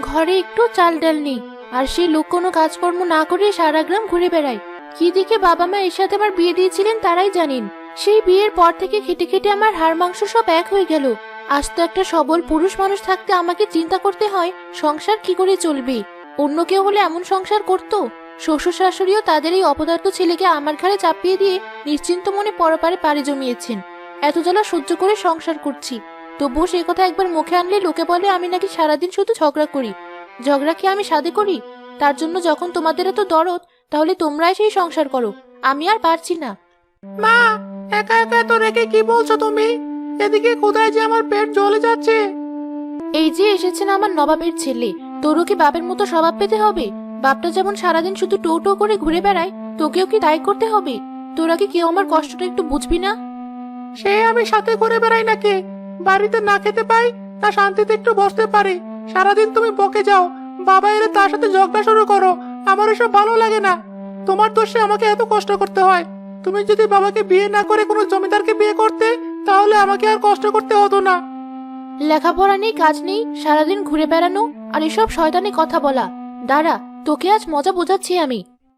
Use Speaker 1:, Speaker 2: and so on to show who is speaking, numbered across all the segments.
Speaker 1: ঘরে একটু চাল ডাল নেই, আর সেই লোক কোনো কাজকর্ম না করে সারা গ্রাম ঘুরে বেড়ায়। কি দিকে বাবা মা এর সাথে আমার বিয়ে দিয়েছিলেন তারাই জানেন। সেই বিয়ের পর থেকে খেটে খেটে আমার হাড় মাংস সব এক হয়ে গেল। আজ তো একটা সবল পুরুষ মানুষ থাকতে আমাকে চিন্তা করতে হয় সংসার কি করে চলবে। অন্য কেউ হলে এমন সংসার করতো? শ্বশুর শাশুড়িও তাদের এই অপদার্থ ছেলেকে আমার ঘাড়ে চাপিয়ে দিয়ে নিশ্চিন্ত মনে পরপারে পাড়ি জমিয়েছেন। এত জ্বালা সহ্য করে সংসার করছি, তবুও সেই কথা একবার মুখে আনলে লোকে বলে আমি নাকি সারাদিন শুধু ঝগড়া করি। ঝগড়া কি আমি সাধে করি? তার জন্য যখন তোমাদের এত দরদ, তাহলে তোমরাই সেই সংসার করো, আমি আর পারছি না।
Speaker 2: মা, একা একা তো রেখে কি বলছো তুমি? এদিকে কোথায় যে আমার পেট জ্বলে যাচ্ছে।
Speaker 1: এই যে এসেছেন আমার নবাবের ছেলে, তোরও কি বাপের মতো স্বভাব পেতে হবে? বাপটা যেমন সারাদিন শুধু টো টো করে ঘুরে বেড়ায়, তোকেও কি তাই করতে হবে? তোরা কি কেউ আমার কষ্টটা একটু বুঝবি না?
Speaker 2: সে আমি সাথে করে বেড়াই নাকি? বাড়িতে না খেতে পাই, না শান্তিতে একটু বসতে পারি। সারাদিন তুমি বকে যাও, বাবা এলে তার সাথে ঝগড়া শুরু করো। আমার এসব ভালো লাগে না। তোমার দোষে আমাকে এত কষ্ট করতে হয়। তুমি যদি বাবাকে বিয়ে না করে কোনো জমিদারকে বিয়ে করতে, তাহলে আমাকে আর কষ্ট করতে হতো না।
Speaker 1: লেখাপড়া নেই, কাজ নেই, সারাদিন ঘুরে বেড়ানো আর এসব শয়তানি কথা বলা। দাঁড়া, তোকে আজ মজা বোঝাচ্ছি আমি।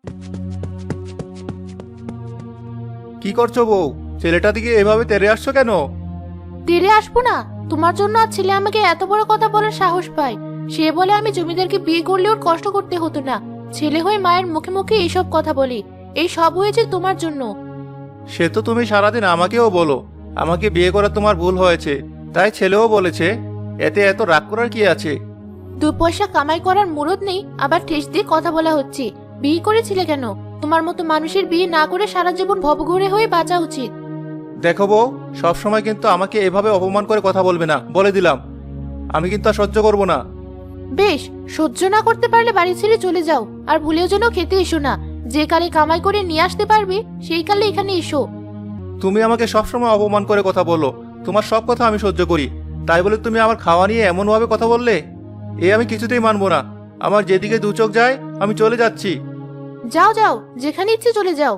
Speaker 3: কি করছো বউ? ছেলেটা দিকে এভাবে তেড়ে আসছো কেন?
Speaker 1: তেরে আসবো না? তোমার জন্য আজ ছেলে আমাকে এত বড় কথা বলার সাহস পায়। সে বলে আমি জমিদারকে বিয়ে করলে ওর কষ্ট করতে হতো না। ছেলে হয়ে মায়ের মুখে মুখে এইসব কথা বলি। এই সব হয়েছে তোমার জন্য।
Speaker 3: সে তো তুমি সারাদিন আমাকেও বলো আমাকে বিয়ে করা তোমার ভুল হয়েছে, তাই ছেলেও বলেছে। এতে এত রাগ করার কি আছে?
Speaker 1: 2 পয়সা কামাই করার মুরদ নেই, আবার ঠেস দিয়ে কথা বলা হচ্ছে। বিয়ে করেছিলে কেন? তোমার মতো মানুষের বিয়ে না করে সারা জীবন ভবঘুরে হয়ে বাঁচা উচিত।
Speaker 3: দেখো বউ, সবসময় কিন্তু আমাকে এভাবে অপমান করে কথা বলবে না, বলে দিলাম। আমি কিন্তু আর সহ্য করবো না।
Speaker 1: বেশ, সহ্য না করতে পারলে বাড়ি ছেড়ে চলে যাও, আর ভুলেও যেন খেতে এসো না। যে কালে কামাই করে নিয়ে আসতে পারবে সেই কালে এখানে এসো।
Speaker 3: তুমি আমাকে সবসময় অপমান করে কথা বলো, তোমার সব কথা আমি সহ্য করি, তাই বলে তুমি আমার খাওয়া নিয়ে এমন ভাবে কথা বললে, এ আমি কিছুতেই মানবো না। আমার যেদিকে দু চোখ যায় আমি চলে যাচ্ছি।
Speaker 1: যাও যাও, যেখানে ইচ্ছে চলে যাও।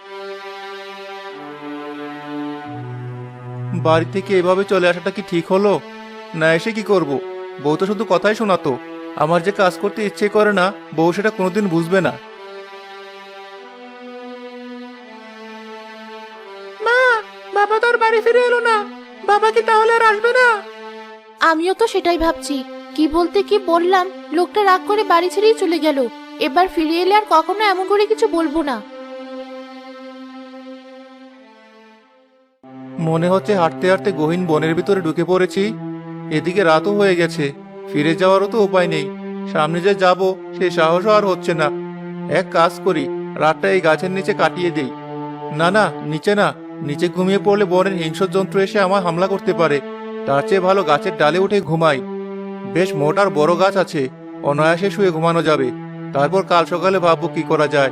Speaker 3: বাড়ি থেকে এভাবে চলে আসাটা কি ঠিক হলো? না এসে কি করব? বউ তো শুধু কথাই শোনাতো। আমার যে কাজ করতে ইচ্ছে করে না, বউ সেটা কোনোদিন বুঝবে না।
Speaker 2: মা, বাবা তো আর বাড়ি ফিরে এলো না। বাবা কি তাহলে আর আসবে না?
Speaker 1: আমিও তো সেটাই ভাবছি। কি বলতে কি বললাম, লোকটা রাগ করে বাড়ি ছেড়েই চলে গেল। এবার ফিরে এলে আর কখনো এমন করে কিছু বলবো না।
Speaker 3: মনে হচ্ছে হাঁটতে হাঁটতে গহীন বনের ভিতরে ঢুকে পড়েছি। এদিকে রাতও হয়ে গেছে, ফিরে যাওয়ারও তো উপায় নেই। সামনে যে যাব সে সাহসও আর হচ্ছে না। এক কাজ করি, রাতটা এই গাছের নিচে কাটিয়ে দেই। না না, নিচে না, নিচে ঘুমিয়ে পড়লে বনের হিংস্র জন্তু এসে আমার হামলা করতে পারে। তার চেয়ে ভালো গাছের ডালে উঠে ঘুমাই। বেশ মোটা আর বড় গাছ আছে, অনায়াসে শুয়ে ঘুমানো যাবে। তারপর কাল সকালে ভাববো কি করা যায়।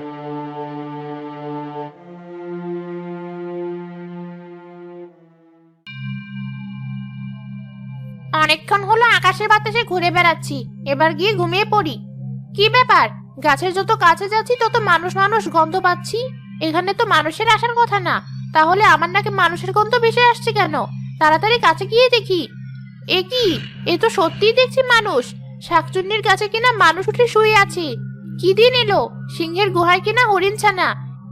Speaker 1: অনেকক্ষণ হলো আকাশের বাতাসে ঘুরে বেড়াচ্ছি, এবার গিয়ে ঘুমিয়ে পড়ি। কি ব্যাপার, গাছের যত কাছে যাচ্ছি তত মানুষ মানুষ গন্ধ পাচ্ছি। এখানে তো মানুষের আসার কথা না, তাহলে আমার নাকি মানুষের গন্ধ ভেসে আসছে কেন? তাড়াতাড়ি কাছে গিয়ে দেখি। এ কি, এ তো সত্যিই দেখছি মানুষ। শাকচুন্নির গাছে কিনা মানুষ উঠে শুয়ে আছে। কি দিন এলো, সিংহের গুহায় কিনা হরিণ ছানা।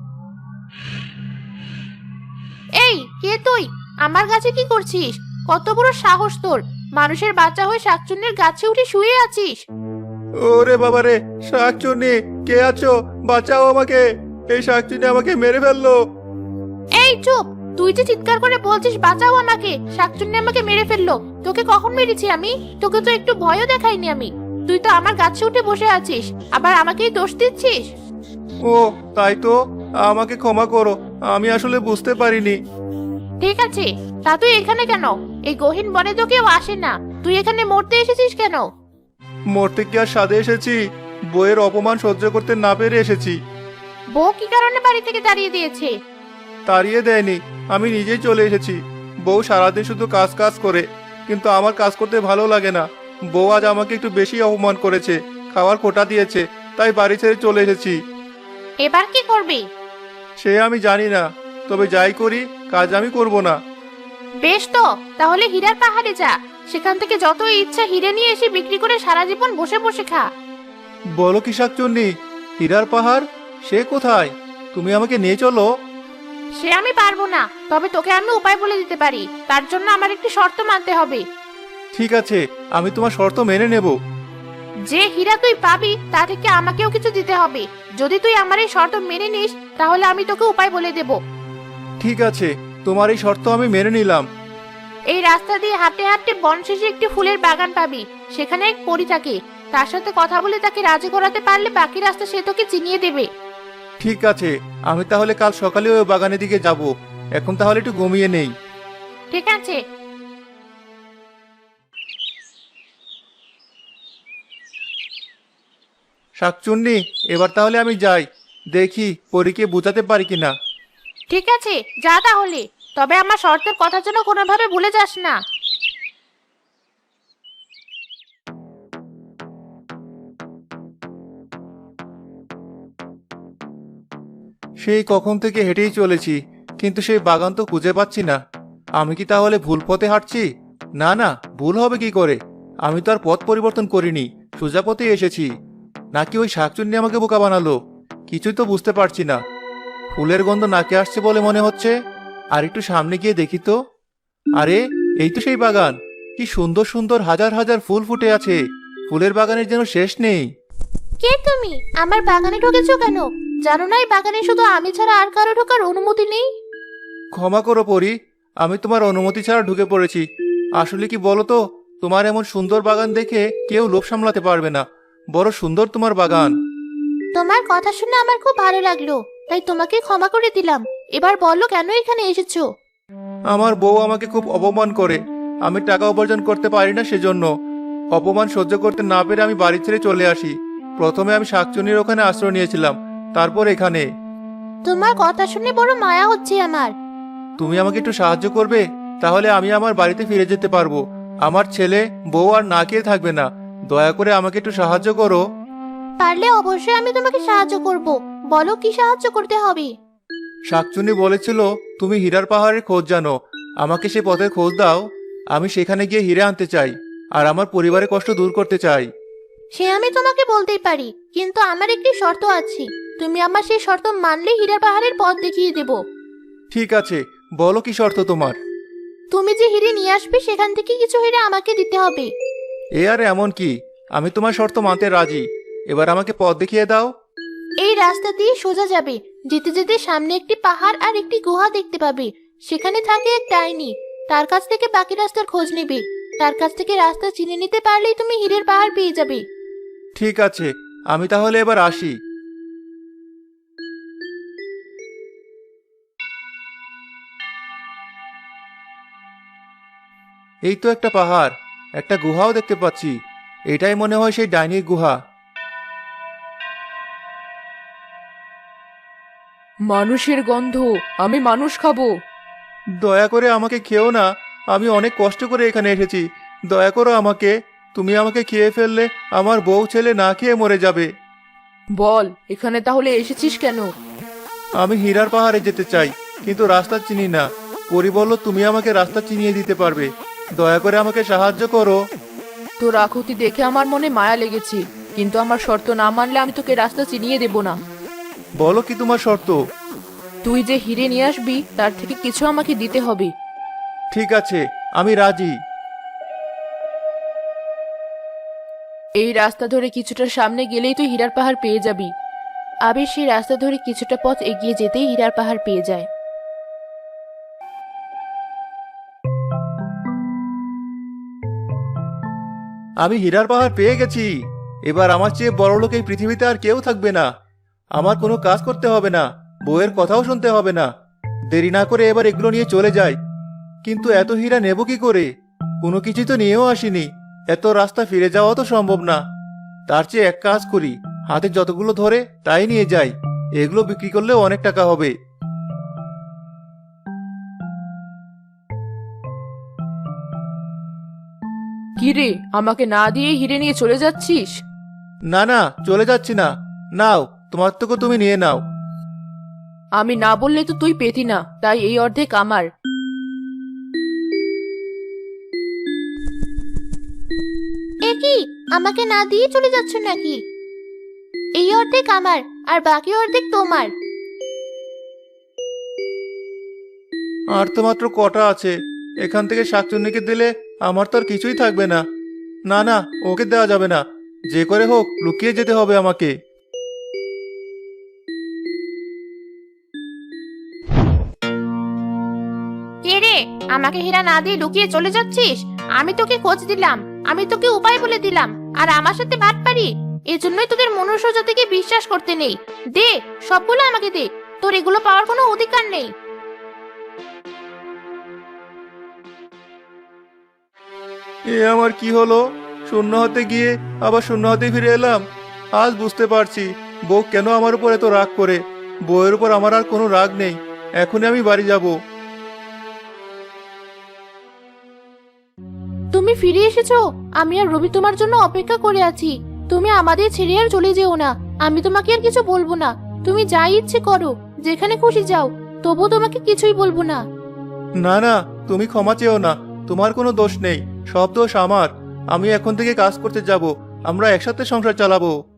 Speaker 1: এই কে তুই? আমার গাছে কি করছিস? কত বড় সাহস তোর, মানুষের বাচ্চা হয়ে শাকচুন্নির গাছে উঠে শুয়ে আছিস?
Speaker 3: ওরে বাবা রে, শাকচুন্নি কে আছো? বাঁচাও আমাকে, এই শাকচুন্নি আমাকে মেরে ফেললো।
Speaker 1: এই চুপ, তুই যে চিৎকার করে বলছিস বাঁচাও আমাকে, শাকচুন্নি আমাকে মেরে ফেললো। তোকে কখন মেরেছি আমি? তোকে তো একটু ভয়ও দেখাইনি আমি। তুই তো আমার গাছে উঠে বসে আছিস, আবার আমাকেই দোষ দিচ্ছিস।
Speaker 3: ও তাই তো, আমাকে ক্ষমা করো, আমি আসলে বুঝতে পারিনি।
Speaker 1: ঠিক আছে, তা তুই এখানে কেন? এই গহীন বনে তো কেউ আসে না, তুই এখানে মরতে এসেছিস কেন?
Speaker 3: মরতে কি আর সাধে এসেছি? বইয়ের অপমান সহ্য করতে না পেরে এসেছি।
Speaker 1: বউ কি কারণে বাড়ি থেকে তাড়িয়ে দিয়েছে?
Speaker 3: তাড়িয়ে দেয়নি, আমি নিজেই চলে এসেছি। বউ সারাদিন শুধু কাজ কাজ করে, কিন্তু আমার কাজ করতে ভালো লাগে না। বউ আজ আমাকে একটু বেশি অপমান করেছে, খাওয়ার কোটা দিয়েছে, তাই বাড়ি ছেড়ে চলে এসেছি।
Speaker 1: এবার কি করবি?
Speaker 3: সে আমি জানি না, তবে যাই করি কাজ আমি করব না।
Speaker 1: বেশ তো, তাহলে হীরার পাহাড়ে যা, সেখান থেকে যত ইচ্ছা হিরে নিয়ে এসে বিক্রি করে সারা জীবন বসে বসে খা।
Speaker 3: বলো কি শাকচুন্নি, হীরার পাহাড় সে কোথায়? তুমি আমাকে নিয়ে চলো।
Speaker 1: সে আমি পারবো না, তবে তোকে আমি উপায় বলে দিতে পারি। তার জন্য আমার একটি শর্ত মানতে হবে।
Speaker 3: ঠিক আছে, আমি তোমার শর্ত মেনে নেব।
Speaker 1: যে হীরা তুই পাবি তা থেকে আমাকেও কিছু দিতে হবে। যদি তুই আমার এই শর্ত মেনে নিস তাহলে আমি তোকে উপায় বলে দেব।
Speaker 3: ঠিক আছে, তোমার এই শর্ত আমি মেনে নিলাম।
Speaker 1: এই রাস্তা দিয়ে হাঁটতে হাঁটতে বন শেষে একটি ফুলের বাগান পাবি। সেখানে এক পরী থাকে। তার সাথে কথা বলে তাকে রাজি করাতে পারলে বাকি রাস্তা সে তোকে চিনিয়ে দেবে।
Speaker 3: ঠিক আছে, আমি তাহলে কাল সকালে ওই বাগানের দিকে যাব। এখন তাহলে একটু ঘুমিয়ে নেই।
Speaker 1: ঠিক আছে।
Speaker 3: শাকচুন্নি, এবার তাহলে আমি যাই, দেখি পরীকে বোঝাতে পারি কিনা।
Speaker 1: ঠিক আছে, যা তাহলে। তবে আমার শর্তের কথা যেন কোনোভাবে ভুলে যাস না।
Speaker 3: সেই কখন থেকে হেঁটেই চলেছি, কিন্তু সেই বাগান তো খুঁজে পাচ্ছি না। আমি কি তাহলে ভুল পথে হাঁটছি? না না, ভুল হবে কি করে? আমি তো আর পথ পরিবর্তন করিনি, সোজা পথেই এসেছি। নাকি ওই শাকচুন্নি আমাকে বোকা বানালো? কিছুই তো বুঝতে পারছি না। ফুলের গন্ধ নাকে আসছে বলে মনে হচ্ছে। আর একটু সামনে গিয়ে দেখি তো। আরে, এই তো সেই বাগান। কি সুন্দর সুন্দর হাজার হাজার ফুল ফুটে আছে। ফুলের বাগানের যেন শেষ নেই।
Speaker 1: কে তুমি? আমার বাগানে ঢুকেছো কেন? জানো না এই বাগানে শুধু আমি ছাড়া আর কারো ঢোকার অনুমতি নেই?
Speaker 3: ক্ষমা করো পরি, আমি তোমার অনুমতি ছাড়া ঢুকে পড়েছি। আসলে কি বলো তো, তোমার এমন সুন্দর বাগান দেখে কেউ লোভ সামলাতে পারবে না। বড় সুন্দর তোমার বাগান।
Speaker 1: তোমার কথা শুনে আমার খুব ভালো লাগলো, তাই তোমাকে ক্ষমা করে দিলাম। এবার বলো কেন এখানে এসেছো?
Speaker 3: আমার বউ আমাকে খুব অপমান করে। আমি টাকা উপার্জন করতে পারি না, সেজন্য অপমান সহ্য করতে না পেরে আমি বাড়ি ছেড়ে চলে আসি। প্রথমে আমি শাকচুনির ওখানে আশ্রয় নিয়েছিলাম, তারপর এখানে।
Speaker 1: তোমার কথা শুনে বড় মায়া হচ্ছে আমার।
Speaker 3: তুমি আমাকে একটু সাহায্য করবে? তাহলে আমি আমার বাড়িতে ফিরে যেতে পারবো। আমার ছেলে বউ আর না খেয়ে থাকবে না। দয়া করে আমাকে একটু সাহায্য করো।
Speaker 1: পারলে অবশ্যই আমি তোমাকে সাহায্য করব। বলো কি সাহায্য করতে হবে?
Speaker 3: শাকচুনি বলেছিল তুমি হীরার পাহাড়ের খোঁজ জানো, আমাকে সে পথের খোঁজ দাও। আমি সেখানে গিয়ে হীরা আনতে চাই, আর আমার পরিবারের কষ্ট দূর করতে চাই।
Speaker 1: সে আমি তোমাকে বলতেই পারি, কিন্তু আমার একটি শর্ত আছে। তুমি আমার সেই শর্ত মানলে হীরার পাহাড়ের পথ দেখিয়ে দেব।
Speaker 3: ঠিক আছে, বলো কি শর্ত তোমার?
Speaker 1: তুমি যে হিরে নিয়ে আসবে সেখান থেকে কিছু হিরে আমাকে দিতে হবে।
Speaker 3: এ আর এমন কি, আমি তোমার শর্ত মানতে রাজি। এবার আমাকে পথ দেখিয়ে দাও।
Speaker 1: এই রাস্তা দিয়ে সোজা যাবে। যেতে যেতে সামনে একটি পাহাড় আর একটি গুহা দেখতে পাবে। সেখানে থাকে এক ডাইনি। তার কাছ থেকে বাকি রাস্তার খোঁজ নেবে। তার কাছ থেকে রাস্তা চিনে নিতে পারলেই তুমি হীরের পাহাড় পেয়ে যাবে।
Speaker 3: ঠিক আছে, আমি তাহলে এবার আসি। এই তো একটা পাহাড়, একটা গুহাও দেখতে পাচ্ছি। এটাই মনে হয় সেই ডাইনির গুহা।
Speaker 4: মানুষের গন্ধ, আমি মানুষ খাবো।
Speaker 3: দয়া করে আমাকে খেও না, আমি অনেক কষ্ট করে এখানে এসেছি। দয়া করো আমাকে। তুমি আমাকে খেয়ে ফেললে আমার বউ ছেলে না খেয়ে মরে যাবে।
Speaker 4: বল, এখানে তাহলে এসেছিস কেন?
Speaker 3: আমি হীরার পাহাড়ে যেতে চাই, কিন্তু রাস্তা চিনি না। পরি বলল তুমি আমাকে রাস্তা চিনিয়ে দিতে পারবে। দয়া করে আমাকে সাহায্য করো।
Speaker 4: তোর আকুতি দেখে আমার মনে মায়া লেগেছে, কিন্তু আমার শর্ত না মানলে আমি তোকে রাস্তা চিনিয়ে দেব না।
Speaker 3: বলো কি তোমার শর্ত?
Speaker 4: তুই যে হিরে নিয়ে আসবি তার থেকে কিছু আমাকে দিতে হবে।
Speaker 3: ঠিক আছে, আমি রাজি।
Speaker 4: এই রাস্তা ধরে কিছুটা সামনে গেলেই তুই হীরার পাহাড় পেয়ে যাবি।
Speaker 1: আবির সেই রাস্তা ধরে কিছুটা পথ এগিয়ে যেতেই হীরার পাহাড় পেয়ে যায়।
Speaker 3: আমি হীরার পাহাড় পেয়ে গেছি। এবার আমার চেয়ে বড় লোক এই পৃথিবীতে আর কেউ থাকবে না। আমার কোনো কাজ করতে হবে না, বউয়ের কথাও শুনতে হবে না। দেরি না করে এবার এগুলো নিয়ে চলে যাই। কিন্তু এত হীরা নেব কি করে? কোনো কিছু তো নিয়েও আসিনি। এত রাস্তা ফিরে যাওয়া তো সম্ভব না। তার চেয়ে এক কাজ করি, হাতে যতগুলো ধরে তাই নিয়ে যাই। এগুলো বিক্রি করলেও অনেক টাকা হবে।
Speaker 4: কি রে, আমাকে না দিয়ে হিরে নিয়ে চলে যাচ্ছিস?
Speaker 3: না না, চলে যাচ্ছি না। নাও, তোমার থেকে তুমি নিয়ে নাও।
Speaker 4: আমি না বললে তো তুই পেতি না, তাই এই অর্ধেক আমার।
Speaker 1: আমাকে না দিয়ে চলে যাচ্ছ নাকি? এই অর্ধেক আমার আর বাকি অর্ধেক তোমার।
Speaker 3: আর তো মাত্র কটা আছে, এখান থেকে শাকচুন্নিকে দিলে আমার তো আর কিছুই থাকবে না। না না, ওকে দেওয়া যাবে না, যে করে হোক লুকিয়ে যেতে হবে আমাকে।
Speaker 1: কে রে, আমাকে হীরা না দিয়ে লুকিয়ে চলে যাচ্ছিস? আমি তোকে খোঁজ দিলাম, আমি তোকে উপায় বলে দিলাম, আর আমার সাথে বাটপারি? এজন্যই তোদের মনুষ্য জাতিকে বিশ্বাস করতে নেই। দে, সবগুলো আমাকে দে, তোর এগুলো পাওয়ার কোনো অধিকার নেই।
Speaker 3: এ আমার কি হলো? শূন্য হাতে গিয়ে আবার শূন্য হাতে ফিরে এলাম। আজ বুঝতে পারছি বউ কেন আমার উপর এত রাগ করে। বউয়ের উপর আমার আর কোনো রাগ নেই। এখনই আমি বাড়ি যাব।
Speaker 1: তুমি ফিরে এসেছো? আমি আর রবি তোমার জন্য অপেক্ষা করে আছি। তুমি আমাদের ছেড়ে আর চলে যেও না। আমি তোমাকে আর কিছু বলবো না। তুমি যা ইচ্ছে করো, যেখানে খুশি যাও, তবু তোমাকে কিছুই বলবো না।
Speaker 3: না না, তুমি ক্ষমা চেও না। তোমার কোনো দোষ নেই, সব দোষ আমার। আমি এখন থেকে কাজ করতে যাব। আমরা একসাথে সংসার চালাবো।